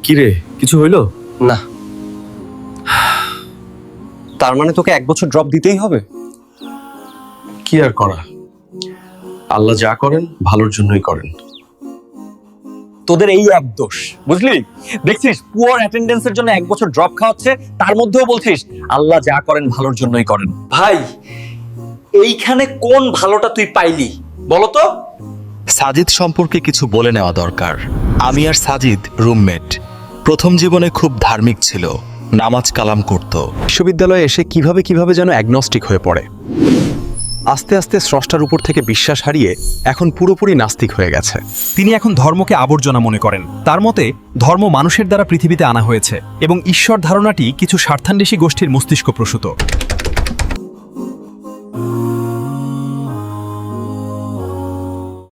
কি রে, কিছু হইলো? না। তার মানে তোকে 1 বছর ড্রপ দিতেই হবে? কি আর করা, আল্লাহ যা করেন ভালোর জন্যই করেন। তোদের এই এক দোষ, বুঝলি? দেখছিস পুয়ার অ্যাটেন্ডেন্সের জন্য 1 বছর ড্রপ খাওয়াচ্ছে, তার মধ্যেও বলছিস আল্লাহ যা করেন ভালোর জন্যই করেন। ভাই, এইখানে কোন ভালোটা তুই পাইলি বলতো? সাজিদ সম্পর্কে কিছু বলে নেওয়া দরকার। আমি আর সাজিদ রুমমেট। প্রথম জীবনে খুব ধার্মিক ছিল, নামাজ কালাম করত। বিশ্ববিদ্যালয়ে এসে কিভাবে যেন অ্যাগনস্টিক হয়ে পড়ে। আস্তে আস্তে স্রষ্টার উপর থেকে বিশ্বাস হারিয়ে এখন পুরোপুরি নাস্তিক হয়ে গেছে। তিনি এখন ধর্মকে আবর্জনা মনে করেন। তার মতে ধর্ম মানুষের দ্বারা পৃথিবীতে আনা হয়েছে এবং ঈশ্বর ধারণাটি কিছু স্বার্থান্বেষী গোষ্ঠীর মস্তিষ্ক প্রসূত।